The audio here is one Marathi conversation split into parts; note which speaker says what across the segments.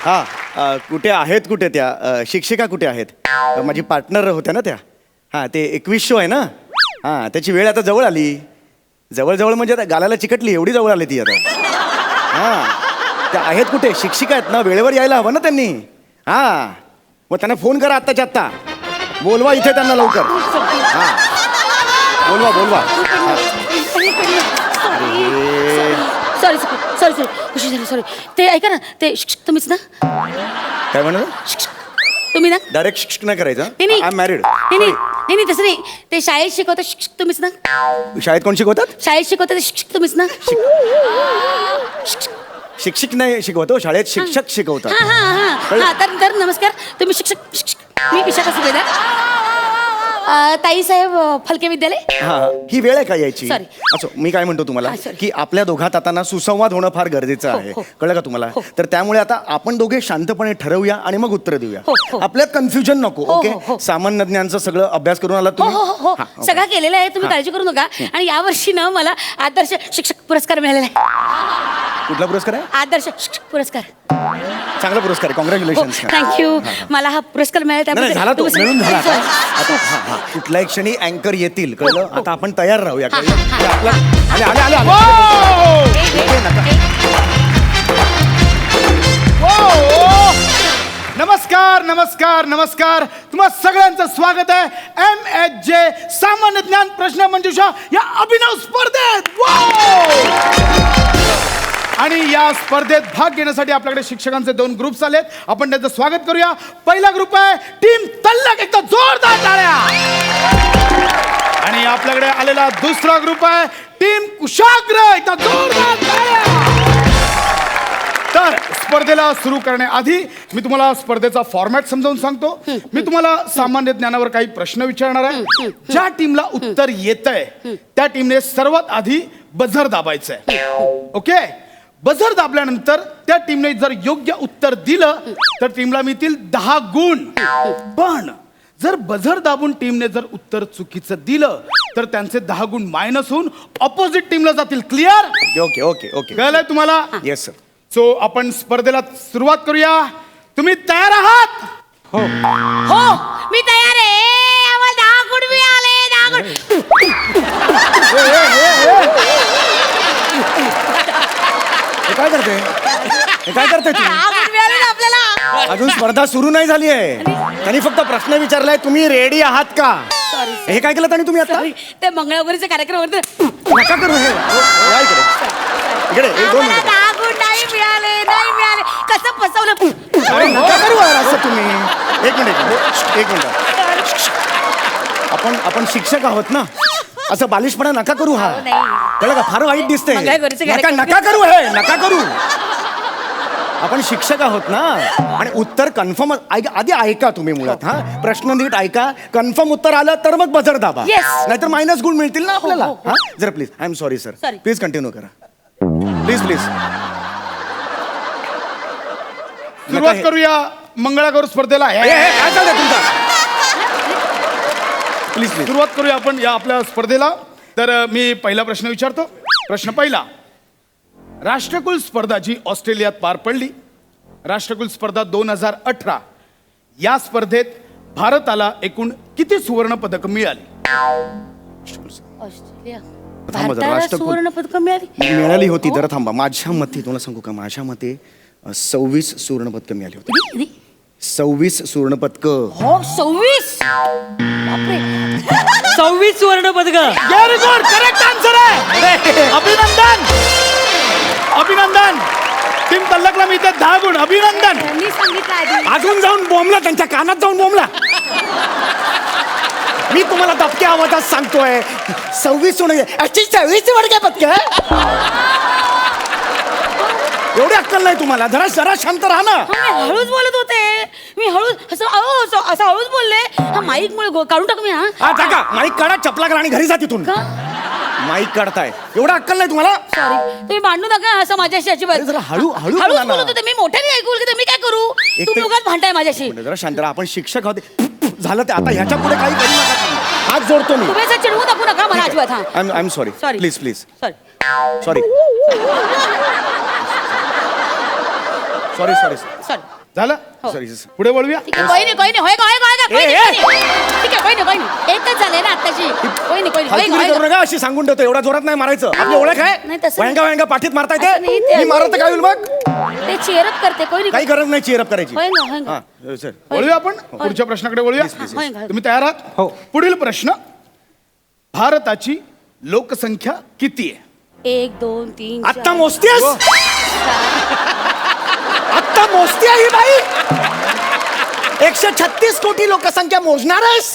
Speaker 1: कुठे आहेत कुठे त्या शिक्षिका कुठे आहेत माझी पार्टनर होत्या ना त्या हां ते 2100 आहे ना हां त्याची वेळ आता जवळ आली जवळ म्हणजे आता गालाला चिकटली एवढी जवळ आली ती आता हां त्या आहेत कुठे शिक्षिका आहेत ना वेळेवर यायला हवं ना त्यांनी हां मग त्यांना फोन करा आत्ताच्या आत्ता बोलवा इथे त्यांना लवकर हां बोलवा
Speaker 2: सॉरी सॉरी ते ऐका ना ते तुम्हीच ना
Speaker 1: काय म्हणा
Speaker 2: तुम्ही ना
Speaker 1: डायरेक्ट शिक्षक नाही करायचं
Speaker 2: नाही
Speaker 1: आय एम मॅरिड
Speaker 2: नाही तसं नाही ते शाळेत शिकवता शिक्षक तुम्हीच ना
Speaker 1: शाळेत कोण शिकवतात
Speaker 2: शाळेत शिकवता ते शिक्षक तुम्हीच ना
Speaker 1: शिक्षक नाही शिकवतो शाळेत शिक्षक शिकवतात
Speaker 2: हा तर नमस्कार तुम्ही शिक्षक मी विशाखा सुभेदार ताई साहेब फलके विद्यालय
Speaker 1: हा ही वेळ आहे का यायची
Speaker 2: Sorry.
Speaker 1: असो मी काय म्हणतो तुम्हाला
Speaker 2: हा, sorry.
Speaker 1: की आपल्या दोघात आता ना सुसंवाद होणं फार गरजेचं आहे
Speaker 2: हो.
Speaker 1: कळलं का तुम्हाला तर त्यामुळे आता आपण दोघे शांतपणे ठरवूया आणि मग उत्तर देऊया
Speaker 2: हो.
Speaker 1: आपल्यात कन्फ्युजन नको
Speaker 2: हो.
Speaker 1: ओके सामान्य ज्ञानचं सगळं अभ्यास करून आला
Speaker 2: हो
Speaker 1: तुम्ही
Speaker 2: हो
Speaker 1: हा, okay.
Speaker 2: सगळं केलेलं आहे तुम्ही काळजी करू नका आणि यावर्षी ना मला आदर्श शिक्षक पुरस्कार मिळालेला आहे
Speaker 1: कुठला पुरस्कार आहे
Speaker 2: आदर्श शिक्षक पुरस्कार
Speaker 1: चांगला पुरस्कार आहे कॉंग्रॅच्युलेशन
Speaker 2: थँक्यू मला हा पुरस्कार मिळाला
Speaker 1: झाला तो
Speaker 2: त्याबद्दल
Speaker 1: मिळून झाला
Speaker 2: Sorry.
Speaker 1: आता हा कुठल्याही क्षणी अँकर येतील कळलं आता आपण तयार राहूया कळलं ते आपला आले इथे नका.
Speaker 3: नमस्कार तुम्हा सगळ्यांचं स्वागत आहे MHJ सामान्य ज्ञान प्रश्न मंजुषा या अभिनव स्पर्धेत आणि या स्पर्धेत भाग घेण्यासाठी आपल्याकडे शिक्षकांचे 2 ग्रुप्स आलेत आपण त्यांचं स्वागत करूया पहिला ग्रुप आहे टीम तल्लक एकदा जोरदार टाळ्या आणि आपल्याकडे आलेला दुसरा ग्रुप आहे टीम कुशाग्र एकदा जोरदार टाळ्या तर स्पर्धेला सुरू करण्याआधी मी तुम्हाला स्पर्धेचा फॉर्मॅट समजावून सांगतो मी तुम्हाला सामान्य ज्ञानावर काही प्रश्न विचारणार आहे ज्या टीमला उत्तर येतंय त्या टीमने सर्वात आधी बझर दाबायचंय ओके बझर दाबल्यानंतर त्या टीमने जर योग्य उत्तर दिलं तर टीमला मिळतील 10 गुण पण जर बझर दाबून टीमने जर उत्तर चुकीचं दिलं तर त्यांचे 10 गुण मायनस होऊन ऑपोजिट टीमला जातील क्लिअर
Speaker 1: ओके ओके ओके
Speaker 3: कळलंय तुम्हाला
Speaker 1: येस सर
Speaker 3: सो आपण स्पर्धेला सुरुवात करूया तुम्ही तयार आहात
Speaker 2: हो मी तयार आहे आम्हाला 10 गुण मिळाले 10 गुण
Speaker 1: हे काय करते तू
Speaker 2: 10 गुण मिळाले ना आपल्याला
Speaker 1: अजून स्पर्धा सुरू नाही झाली आहे त्यांनी फक्त प्रश्न विचारलाय तुम्ही रेडी आहात का
Speaker 2: सॉरी
Speaker 1: हे काय केलं त्यांनी तुम्ही आता
Speaker 2: ते मंगळागौरीचे कार्यक्रम होते
Speaker 1: नका करू हे या इकडे 1 2
Speaker 2: आम्हाला 10 गुण नाही मिळाले कसं फसवलं
Speaker 1: अरे नका करू यार असं तुम्ही एक मिनिट आपण शिक्षक आहोत ना असं बालिशपणा नका करू हा कळलं का फार वाईट दिसतंय
Speaker 2: मंगळागौरीचे
Speaker 1: नका करू हे नका करू आपण शिक्षक आहोत ना आणि उत्तर कन्फर्म आधी ऐका तुम्ही मुळात हा प्रश्न नीट ऐका कन्फर्म उत्तर आलं तर मग बझर दाबा
Speaker 2: Yes.
Speaker 1: नाहीतर मायनस गुण मिळतील ना आपल्याला
Speaker 2: हो.
Speaker 1: हा जरा please I am sorry sir
Speaker 2: Sorry.
Speaker 1: Please continue करा प्लीज
Speaker 3: सुरुवात करूया मंगळागौर स्पर्धेला
Speaker 1: काय चाललंय तुमचं प्लीज
Speaker 3: सुरुवात करूया आपण या आपल्या स्पर्धेला तर मी पहिला प्रश्न विचारतो प्रश्न पहिला राष्ट्रकुल स्पर्धा जी ऑस्ट्रेलियात पार पडली राष्ट्रकुल स्पर्धा 2018 या स्पर्धेत भारताला एकूण किती सुवर्ण पदक मिळाली
Speaker 2: ऑस्ट्रेलिया
Speaker 1: थांबा जरा,
Speaker 2: भारताला
Speaker 1: राष्ट्रकुल-
Speaker 2: सुवर्ण पदक मिळाली
Speaker 1: मिळाली होती जरा थांबा माझ्या मते तुला सांगू का माझ्या मते 26 सुवर्ण पदक मिळाली होती 26 सुवर्ण पदक
Speaker 2: हो 26 बापरे
Speaker 4: 26 सुवर्ण पदक
Speaker 3: व्हेरी गुड करेक्ट आन्सर आहे अभिनंदन टीम तल्लकला मिळते 10 गुण अभिनंदन
Speaker 2: मी सांगितलं आधी
Speaker 1: अजून जाऊन बोंबला त्यांच्या कानात जाऊन बोंबला मी तुम्हाला दबक्या आवाजात सांगतोय 26 सोनं 26 वडक्या पदक एवढी अक्कल नाही तुम्हाला जरा शांत राहा ना
Speaker 2: मी हळूच बोलत होते मी हळूच असं हळूच बोलले हा माईक मुळे काढून टाक मी
Speaker 1: हा टाका माईक काढा चपला करा आणि घरी जा तिथून
Speaker 2: का
Speaker 1: माईक काढताय एवढा अक्कल नाही तुम्हाला
Speaker 2: सॉरी तुम्ही भांडू नका असं माझ्याशी अजिबात
Speaker 1: अरे जरा हळू
Speaker 2: हळूच
Speaker 1: बोला ना.
Speaker 2: बोलत होते मी मोठ्याने ऐकू की मी काय करू
Speaker 1: एक
Speaker 2: तुम्ही
Speaker 1: ते-
Speaker 2: उगाच भांडताय माझ्याशी
Speaker 1: म्हणजे जरा शांत राहा आपण शिक्षक आहोत झालं ते आता ह्याच्या पुढे काही करू नका तुम्ही. हात जोडतो मी
Speaker 2: तुम्ही असं चिडवू टाकू नका मला अजिबात हा
Speaker 1: I am sorry
Speaker 2: Sorry.
Speaker 1: Please
Speaker 2: sorry
Speaker 1: sorry sorry
Speaker 2: sorry
Speaker 3: झालं
Speaker 1: सॉरी
Speaker 3: पुढे बोलूया
Speaker 2: ठीक आहे, कोई नाही होय का कोई नाही. ठीक आहे, कोई नाही एकच झालंय ना आत्ताची. कोई नाही
Speaker 1: फालतूगिरी करू नका अशी सांगून ठेवतो एवढा जोरात नाही मारायचं आपली ओळख
Speaker 2: नाही,
Speaker 1: आहे
Speaker 2: तसं नाही.
Speaker 1: वयांगा पाठीत मारता
Speaker 2: असं नाही,
Speaker 1: येते
Speaker 2: ते-
Speaker 1: मी मारत तर काय होईल मग
Speaker 2: ते चेअरअप करते कोई नाही.
Speaker 1: काही गरज नाही चेअरअप करायची
Speaker 2: होय ना, होय ना.
Speaker 1: हा सर
Speaker 3: बोलूया आपण पुढच्या प्रश्नाकडे बोलूया
Speaker 2: होय का?
Speaker 3: तुम्ही तयार आहात
Speaker 1: हो.
Speaker 3: पुढील प्रश्न भारताची लोकसंख्या किती आहे
Speaker 2: 1 2 3
Speaker 1: आत्ता मोजतीयस आत्ता मोजती ही बाई 136 कोटी लोकसंख्या मोजणार आहेस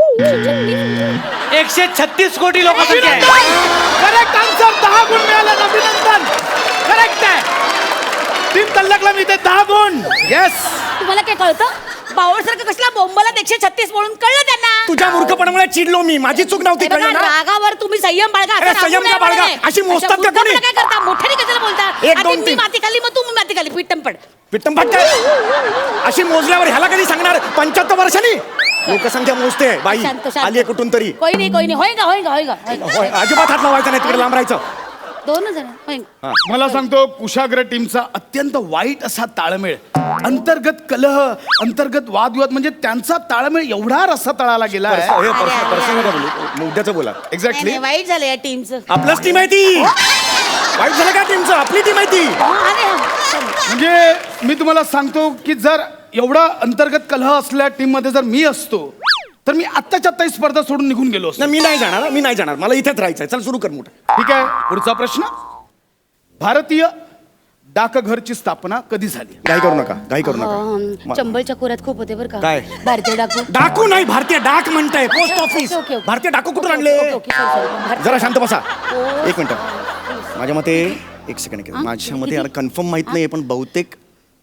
Speaker 4: 136 कोटी लोकसंख्या आहे.
Speaker 3: करेक्ट आन्सर 10 गुण मिळाले अभिनंदन करेक्ट आहे टीम तल्लकला मी ते 10 गुण येस
Speaker 2: तुम्हाला काय कळतं बावळसारखं कसला बोंबाला 136 म्हणून कळलं त्यांना.
Speaker 1: तुझ्या मूर्खपणामुळे चिडलो मी माझी चूक नव्हती
Speaker 2: हे बघा,
Speaker 1: कळलं ना
Speaker 2: रागावर तुम्ही संयम बाळगा असं
Speaker 1: अरे,
Speaker 2: रागू
Speaker 1: संयम
Speaker 2: नये
Speaker 1: का बाळगा?
Speaker 2: म्हणे.
Speaker 1: अशी मोजतात
Speaker 2: अच्छा,
Speaker 1: का कोणी?
Speaker 2: मुद्दामपणा काय करता मोठ्याने कशाला बोलता
Speaker 1: 1
Speaker 2: आधी
Speaker 1: 2
Speaker 2: मी
Speaker 1: 3
Speaker 2: माती खाली मग तू माती खाली पिट्टम पड.
Speaker 1: पिट्टम काय अशी मोजल्यावर ह्याला कधी सांगणार 75 वर्षांनी लोकसंख्या मोजते बाई
Speaker 2: शांत, शांत.
Speaker 1: आली कुठून तरी
Speaker 2: कोई नाही होय का
Speaker 1: होय, अजिबात हात लावायचा नाही तिकडे लांब राहायचं
Speaker 2: 2 जण होय का?
Speaker 3: मला सांगतो कुशाग्र टीमचा अत्यंत वाईट असा ताळमेळ अंतर्गत कलह अंतर्गत वादविवाद म्हणजे त्यांचा ताळमेळ एवढा रस्सा तळाला गेला आहे
Speaker 1: हे
Speaker 2: अरे, अरे,
Speaker 1: पर्सनल नका बोलू मुद्द्याचं बोला
Speaker 2: नाही,
Speaker 3: एक्झॅक्टली
Speaker 2: नाही, वाईट झालं या टीमचं.
Speaker 1: आपलंच टीम आहे ती वाईट झालं का टीमचं आपली टीम आहे ती
Speaker 3: म्हणजे मी तुम्हाला सांगतो की जर एवढा अंतर्गत कलह असल्या टीम मध्ये जर मी असतो तर मी आत्ताच्या आत्ता ही स्पर्धा सोडून निघून गेलो असतो
Speaker 1: नाही मी नाही जाणार मला इथेच राहायचंय चल सुरू कर मोठं
Speaker 3: ठीक आहे पुढचा प्रश्न भारतीय डाकघरची स्थापना कधी झाली
Speaker 1: घाई करू नका
Speaker 2: चंबलच्या खोऱ्यात खूप होते बरं का
Speaker 1: काय?
Speaker 2: भारतीय डाकू.
Speaker 1: डाकू नाही भारतीय डाक म्हणताय पोस्ट ऑफिस
Speaker 2: ओके, ओके.
Speaker 1: भारतीय डाकू कुठून आणले
Speaker 2: ओके, sorry.
Speaker 1: जरा शांत बसा एक मिनिट माझ्या मते एक सेकंड माझ्या मते यार कन्फर्म माहित नाही पण बहुतेक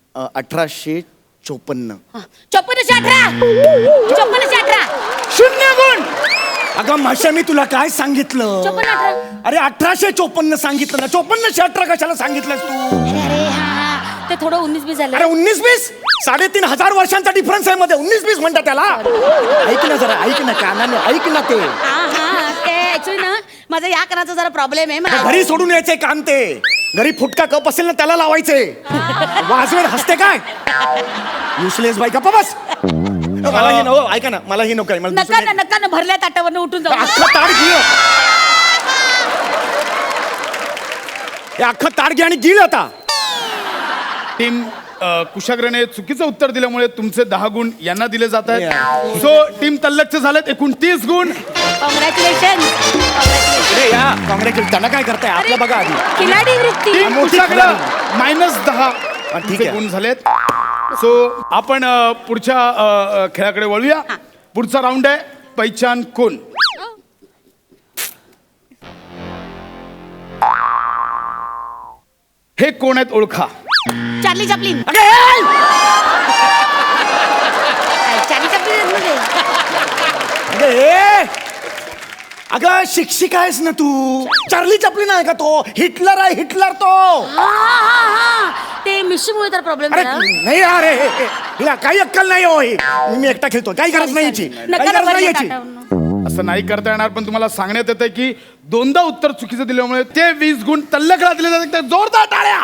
Speaker 1: 1854
Speaker 2: हा, 5418
Speaker 3: शून्य गुण
Speaker 1: अगं माशा मी तुला काय सांगितलं
Speaker 2: 5418
Speaker 1: अरे 1854 सांगितलं ना 5418 कशाला सांगितलंस तू
Speaker 2: अरे हा ते थोडं 19-20 झालं.
Speaker 1: अरे 19-20 3,500 वर्षांचा डिफरन्स आहे मध्ये 19-20 म्हणतात त्याला ऐक ना जरा ऐक ना कानाने ऐक ना ते
Speaker 2: हा ते ऍक्च्युली ना माझा या कानाचा जरा प्रॉब्लेम आहे मला.
Speaker 1: घरी सोडून यायचे कान ते घरी फुटका कप असेल ना त्याला लावायचे वाजवेल हसते काय युसलेस बाई गप्पा बस मला ही नको ऐका ना मला ही नको आहे. मला
Speaker 2: नका ना भरल्या ताटावरनं उठून जाऊ.
Speaker 1: अख्खं ताट घे हे अख्खं ताट घे आणि गिळ आता
Speaker 3: टीम कुशाग्रने चुकीचं उत्तर दिल्यामुळे तुमचे 10 गुण यांना दिले जात आहेत
Speaker 1: Yeah.
Speaker 3: सो टीम तल्लकचे झालेत एकूण 30 गुण
Speaker 2: कॉंग्रॅच्युलेशन.
Speaker 1: अरे या काँग्रेस त्यांना काय करताय आपलं बघा आधी
Speaker 2: खिलाडी वृत्ती.
Speaker 3: टीम
Speaker 1: मोठी
Speaker 3: कुशाग्र
Speaker 1: खिलाडी.
Speaker 3: -10
Speaker 1: ठीक
Speaker 3: तुमचे
Speaker 1: आहे.
Speaker 3: गुण झालेत सो आपण पुढच्या खेळाकडे वळूया पुढचा राऊंड आहे पहिचान कोण हे कोण आहेत ओळखा
Speaker 2: चार्ली चॅपलिन.
Speaker 1: अगे, ए!
Speaker 2: चार्ली चॅपलिन म्हणजे
Speaker 1: अगे, ए! अगं शिक्षिका आहेस ना तू चार्ली चपलिन आहे का तो हिटलर आहे हिटलर तो
Speaker 2: हा ते मिशीमुळे तर प्रॉब्लेम
Speaker 1: अरे
Speaker 2: झाला.
Speaker 1: नाही अरे हिला काही अक्कल नाही हो ही मी एकटा खेळतो काही गरज नाही याची काही गरज नाही याची
Speaker 3: असं नाही करता येणार पण तुम्हाला सांगण्यात येतं की 2दा उत्तर चुकीचं दिल्यामुळे ते 20 गुण तल्लकला दिले जातात तर जोरदार टाळ्या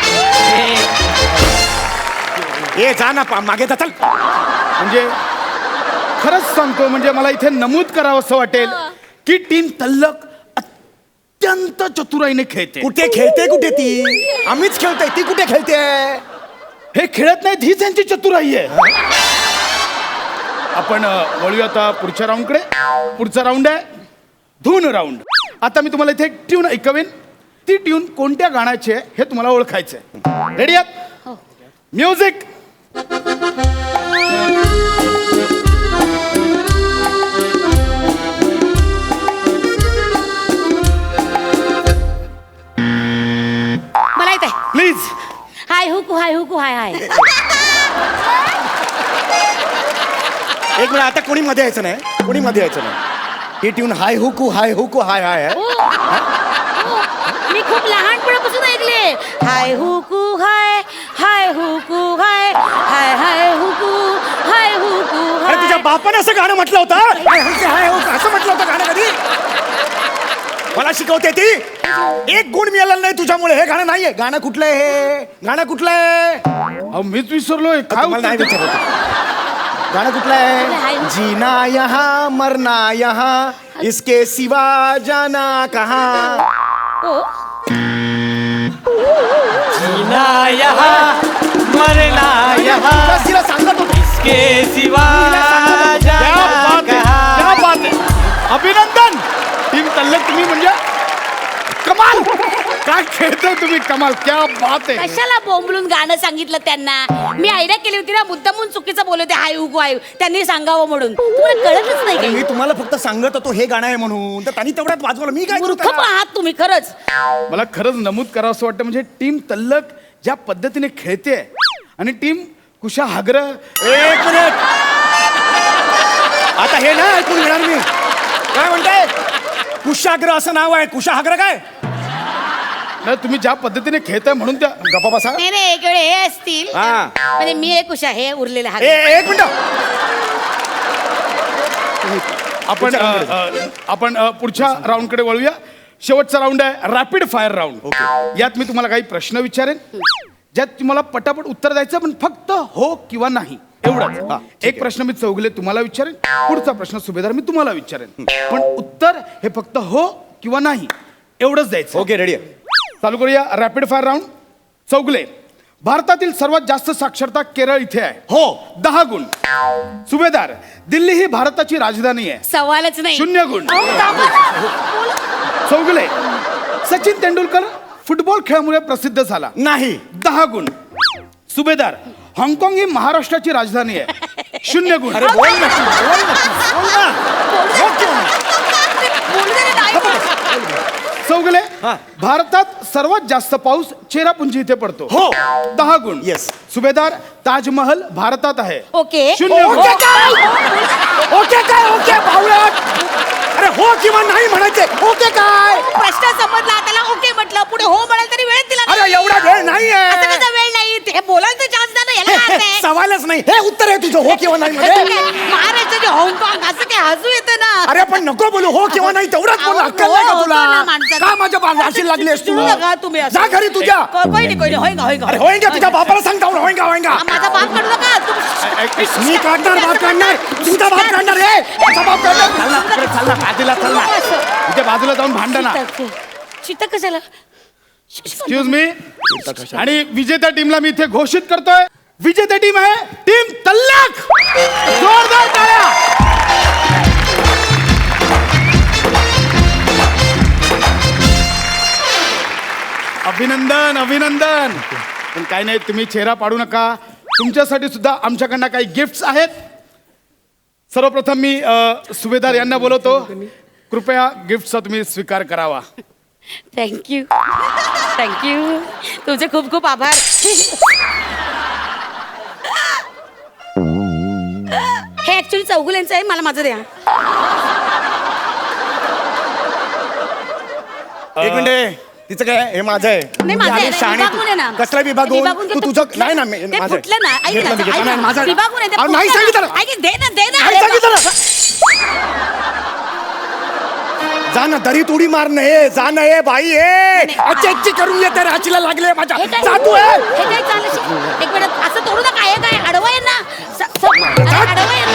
Speaker 1: ए जा ना मागे जा चल
Speaker 3: म्हणजे खरंच सांगतो म्हणजे मला इथे नमूद करावं असं वाटेल की टीम तल्लक अत्यंत चतुराईने खेळते
Speaker 1: कुठे खेळते कुठे ती आम्हीच खेळतोय ती कुठे खेळते
Speaker 3: हे खेळत नाहीत हीच यांची चतुराई आहे आपण वळूया आता पुढच्या राऊंडकडे पुढचा राऊंड आहे धून राऊंड आता मी तुम्हाला इथे एक ट्यून ऐकवेन ती ट्यून कोणत्या गाण्याची आहे हे तुम्हाला ओळखायचं आहे रेडी आहात म्युझिक
Speaker 2: मला येत आहे
Speaker 3: प्लीज
Speaker 2: हाय हुकू हाय
Speaker 1: एक मिनिट आता कोणी मध्ये यायचं नाही कोणी मध्ये यायचं नाही ही ट्यून हाय हुकू हाय हाय आहे
Speaker 2: हो. मी खूप लहानपणापासून ऐकले हाय हुकू हाय हुकू हाय हुकू
Speaker 1: अरे तुझ्या बापाने असं गाणं म्हटलं होतं हाय हुकू, हाय हुकू असं म्हटलं होतं गाणं कधी मला मला शिकवते ती एक गुण मिळाला नाही तुझ्यामुळे. हे गाणं नाहीये. गाणं कुठलं आहे हे? गाणं कुठलं आहे?
Speaker 3: अहो मीच विसरलोय काय
Speaker 1: तुम्हाला नाही
Speaker 3: उत्तर
Speaker 1: विचारत. गाणं कुठलं आहे? जीना यहाँ मरना यहाँ इसके सिवा जाना कहाँ.
Speaker 2: हो
Speaker 4: जीना यहाँ मरना यहाँ
Speaker 1: बस तिला सांगत होतो.
Speaker 4: के सिवा
Speaker 3: क्या
Speaker 4: जाना
Speaker 3: बात आहे,
Speaker 4: कहाँ.
Speaker 3: क्या बात आहे. अभिनंदन टीम तल्लक. तुम्ही म्हणजे कमाल. काय खेळताय तुम्ही. कमाल. क्या बात आहे.
Speaker 2: कशाला बोंबलून गाणं सांगितलं त्यांना. मी आयडिया केली होती ना, मुद्दामून चुकीचं बोलले होते. हाय उगो हाय त्यांनी सांगावं म्हणून. तुम्हाला कळतच नाही
Speaker 1: अरे मी
Speaker 2: काही.
Speaker 1: तुम्हाला फक्त सांगत होतो हे गाणं आहे म्हणून, तर त्यांनी तेवढ्यात वाजवलं. मी काय करू
Speaker 2: मूर्ख
Speaker 1: त्याला?
Speaker 2: आहात तुम्ही खरंच.
Speaker 3: मला खरंच नमूद करावं असं वाटतं म्हणजे टीम तल्लक ज्या पद्धतीने खेळते आणि टीम कुशा हागर.
Speaker 1: एक मिनिट. आता हे ना ऐकून घेणार मी. काय म्हणताय? कुशाग्र असं नाव आहे. कुशाग्र काय?
Speaker 3: नाही तुम्ही ज्या पद्धतीने खेळताय म्हणून त्या
Speaker 1: गप्पा बसा.
Speaker 2: नाही नाही एक वेळ हे असतील
Speaker 1: हा.
Speaker 2: म्हणजे मी एक उषा हे उरलेले हात.
Speaker 1: एक मिनिट.
Speaker 3: आपण आपण पुढच्या राऊंडकडे वळूया. शेवटचा राऊंड आहे रॅपिड फायर राऊंड. यात मी तुम्हाला काही प्रश्न विचारेन ज्यात तुम्हाला पटापट उत्तर द्यायचं पण फक्त हो किंवा नाही
Speaker 1: हा,
Speaker 3: एवढंच.
Speaker 1: ठीक
Speaker 3: एक प्रश्न मी चौगले तुम्हाला विचारेन. पुढचा प्रश्न सुभेदार मी तुम्हाला विचारेन. पण उत्तर हे फक्त हो किंवा नाही एवढंच द्यायचं.
Speaker 1: ओके रेडी आहे.
Speaker 3: चालू करूया रॅपिड फायर राऊंड. चौगले भारतातील सर्वात जास्त साक्षरता केरळ इथे आहे.
Speaker 1: हो.
Speaker 3: 10 गुण. सुभेदार दिल्ली ही भारताची राजधानी आहे.
Speaker 2: सवालच नाही.
Speaker 3: 0 गुण.
Speaker 2: अहो, थांबा ना.
Speaker 3: चौगले सचिन तेंडुलकर फुटबॉल खेळामुळे प्रसिद्ध झाला.
Speaker 1: नाही.
Speaker 3: 10 गुण. सुभेदार हाँगकाँग ही महाराष्ट्राची राजधानी आहे. 0 गुण.
Speaker 1: अरे बोल ना तू, बोल ना तू, बोल ना. हो किंवा नाही?
Speaker 2: बोलू दे रे, नाही बोल.
Speaker 3: चौगले
Speaker 1: हा.
Speaker 3: भारतात सर्वात जास्त पाऊस चेरापुंजी इथे पडतो.
Speaker 1: हो.
Speaker 3: 10 गुण.
Speaker 1: Yes.
Speaker 3: सुभेदार ताजमहल भारतात आहे.
Speaker 2: ओके
Speaker 3: 0 गुण.
Speaker 1: ओके काय? ओके काय? ओके बावळट. अरे हो किंवा नाही म्हणायचे. ओके काय?
Speaker 2: प्रश्न समजला त्याला ओके म्हटलं पुढे हो म्हणाल तरी वेळ दिला
Speaker 1: अरे
Speaker 2: नाही.
Speaker 1: एवढा वेळ नाहीये.
Speaker 2: असं कसं वेळ नाही ते बोलायचं चान्स द्या ना याला काय अर्थ आहे?
Speaker 1: सवालच नाही. हे उत्तर आहे तुझं हो किंवा नाही
Speaker 2: असं
Speaker 1: मध्ये.
Speaker 2: काय? महाराष्ट्राचे हाँगकाँग असं काय हसू येतं ना.
Speaker 1: अरे पण नको बोलू हो किंवा नाही तेवढाच बोल.
Speaker 2: अहो,
Speaker 1: अक्कल नाही का
Speaker 2: हो,
Speaker 1: तुला?
Speaker 2: होतं ना माणसाचं.
Speaker 1: का माझ्या बाजाशी लागलीस तू?
Speaker 2: चिडू नका तुम्ही असं.
Speaker 1: जा घरी तुझ्या.
Speaker 2: कोई नाही कोई नाही होईगा होईगा
Speaker 1: अरे होईंगा तुझ्या बापाला सांगता होईंगा होईंगा.
Speaker 2: हा, माझा बाप काढू नका तुम्ही.
Speaker 1: मी काढणार बाप काढणार. तुझा बाप काढणार रे. तुझा बाप काढणार. चालला तिकडे चालला बाजूला चालला.
Speaker 3: इथे बाजूला जाऊन भांडा ना.
Speaker 2: चित्त कशाला?
Speaker 3: Excuse me. आणि विजेत्या टीमला मी इथे घोषित करतोय. विजेता टीम आहे टीम तल्लक. जोरदार टाळ्या. अभिनंदन अभिनंदन. पण काय नाही तुम्ही चेहरा पाडू नका. तुमच्यासाठी सुद्धा आमच्याकडनं काही गिफ्ट्स आहेत. सर्वप्रथम मी सुभेदार यांना बोलवतो. कृपया गिफ्टचा तुम्ही स्वीकार करावा.
Speaker 2: थँक्यू थँक्यू तुमचे खूप खूप आभार. हे ऍक्च्युली चौगुल्यांचं आहे मला माझं द्या.
Speaker 1: एक मिनिट. तिचं काय? हे माझं आहे.
Speaker 2: नाही माझं आहे.
Speaker 1: अरे शहाणे
Speaker 2: विभागून आहे ना.
Speaker 1: तू. कसला विभागून?
Speaker 2: विभागून
Speaker 1: तू
Speaker 2: घेतो.
Speaker 1: तुझं
Speaker 2: फुटलं.
Speaker 1: नाही ना
Speaker 2: ते
Speaker 1: माझं
Speaker 2: फुटलं ना. ऐक
Speaker 1: घेतलं
Speaker 2: ना,
Speaker 1: मी, घेतलं.
Speaker 2: ऐक
Speaker 1: नाही,
Speaker 2: ना.
Speaker 1: माझं आहे.
Speaker 2: विभागून आहे ते
Speaker 1: अहो, नाही
Speaker 2: फुटलं
Speaker 1: सांगितलं.
Speaker 2: ना. ऐक, दे ना दे ना.
Speaker 1: नाही सांगितलं. जा ना दरीत उडी मार नाही. जा ना ए बाई ए. अच्छी करून येते राशीला लागले माझ्या.
Speaker 2: हे काय?
Speaker 1: जा तू ए.
Speaker 2: हे काय चाललं? एक मिनिट असं तोडू नका. हे काय अडवं आहे ना. अडवं आहे ना.